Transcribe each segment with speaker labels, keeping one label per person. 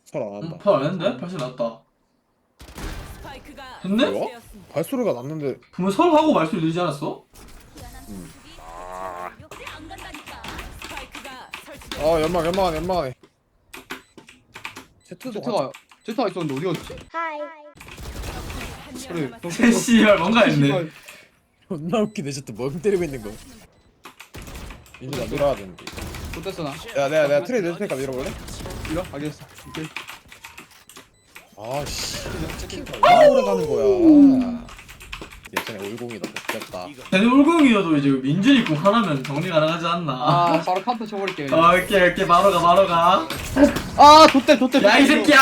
Speaker 1: 잘 안 한다.
Speaker 2: 펄 안 했는데? 벌써 났다.
Speaker 3: 스파이크가
Speaker 2: 했네?
Speaker 1: 뭐야?
Speaker 3: 설치되었습니다.
Speaker 1: 발소리가 났는데
Speaker 2: 분명 설하고 말소리 들리지 않았어?
Speaker 3: 안 간다니까. 스파이크가 설치되었습니다.
Speaker 1: 아 연막 Z도
Speaker 4: 제트가 있었는데 어디 갔지? 그래.
Speaker 3: 남았습니다.
Speaker 2: 씨발 뭔가 했네.
Speaker 1: 존나 웃기네. Z 멍 때리고 있는 거. 이제 나 밀어야 되는데.
Speaker 4: 못됐어 나.
Speaker 1: 야 내가 트레이 낼 테니까 밀어볼래?
Speaker 4: 이거 알겠어. 오케이.
Speaker 1: 아씨 얼마나 오래 가는 거야. 예전에 올공이다 못됐다.
Speaker 2: 걔네 울궁이어도 이제 민준이 궁 하나면 정리 가능하지 않나?
Speaker 4: 아 바로 카운터 쳐버릴게.
Speaker 2: 오케이 바로 가.
Speaker 4: 아 좋대.
Speaker 2: 야 이 새끼야!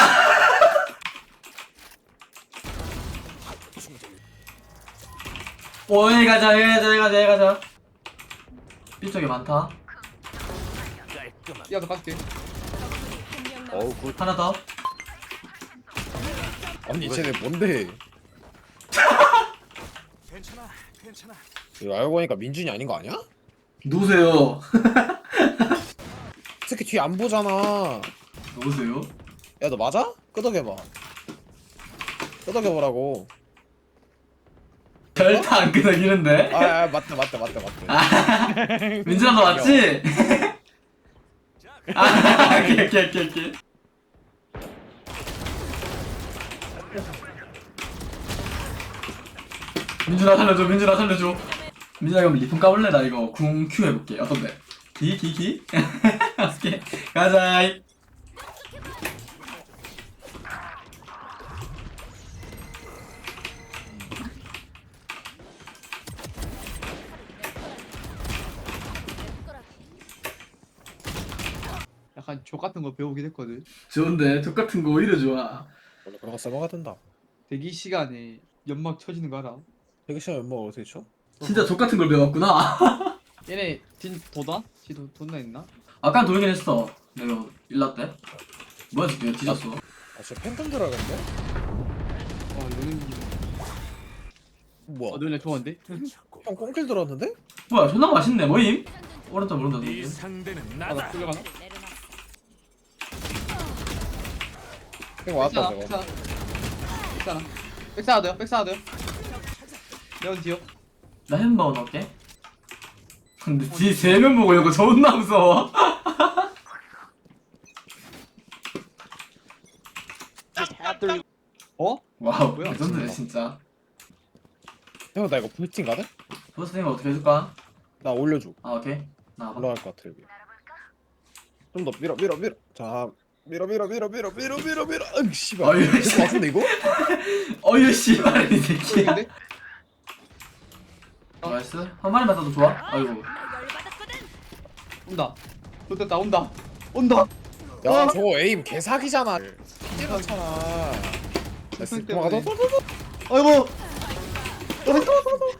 Speaker 2: 오 여기 가자. B 쪽에 많다.
Speaker 4: 야너 가줄게.
Speaker 1: 어우 굿.
Speaker 2: 하나 더.
Speaker 1: 아니 쟤네 뭔데? 이거 알고 보니까 민준이 아닌 거 아니야?
Speaker 2: 누구세요?
Speaker 1: 특히 뒤 안 보잖아.
Speaker 2: 누구세요?
Speaker 1: 야 너 맞아? 끄덕여봐. 끄덕여보라고.
Speaker 2: 절대 안 끄덕이는데?
Speaker 1: 아 맞다.
Speaker 2: 민준아 너 맞지? 아 오케이. 민준아 살려줘. 민준아 그럼 리폰 까볼래? 나 이거 궁 Q 해볼게. 어떤데? 기? 오케이 가자.
Speaker 4: 약간 족 같은 거 배우긴 했거든.
Speaker 2: 좋은데 똑같은 거 오히려 좋아.
Speaker 1: 원래 그런 거 써먹어야 된다.
Speaker 4: 대기 시간에 연막 쳐지는 거 알아?
Speaker 1: 되게 시간 연막 어떻게 쳐?
Speaker 2: 진짜 똑같은 걸 배웠구나.
Speaker 4: 얘네 도나? 돈나 있나?
Speaker 2: 아까 돌긴 했어. 내가 일라 때. 뭐야 지금 뒤졌어.
Speaker 1: 아 진짜 팬텀 들어가겠네?
Speaker 4: 너는
Speaker 1: 뭐야?
Speaker 4: 너네 좋아한데?
Speaker 1: 형 꽁킬 들어왔는데?
Speaker 2: 뭐야 존나 맛있네. 뭐임? 오른쪽 모른다.
Speaker 5: 네
Speaker 2: 누구지?
Speaker 5: 상대는
Speaker 4: 아나
Speaker 5: 나다.
Speaker 4: 끌려가나?
Speaker 1: 형 왔다
Speaker 4: 백사나
Speaker 1: 저거.
Speaker 4: 백사나 돼요? 레온 뒤요.
Speaker 2: 나 햄버거 넣을게. 근데 뒤에 3명 보고 이거 존나 무서워.
Speaker 4: 어?
Speaker 2: 와우
Speaker 4: 뭐야,
Speaker 2: 레전드네
Speaker 4: 진짜.
Speaker 2: 진짜.
Speaker 1: 형 나 이거 불팅 가든?
Speaker 2: 버스팅 어떻게 해줄까?
Speaker 1: 나 올려줘.
Speaker 2: 아 오케이. 나와봐.
Speaker 1: 올라갈 것 같아 여기. 좀 더 밀어. 자 밀어. 으 씨발.
Speaker 2: 어이,
Speaker 1: 될것 같은데 이거?
Speaker 2: 어휴 씨발 이 새끼야.
Speaker 4: 보이는데?
Speaker 2: 나이스. 한 마리만 따도 좋아. 아이고.
Speaker 4: 온다. 좋됐다 온다.
Speaker 1: 야 저거 에임 개사기잖아. 피지 않잖아. 됐어. 도망가.
Speaker 4: 아이고.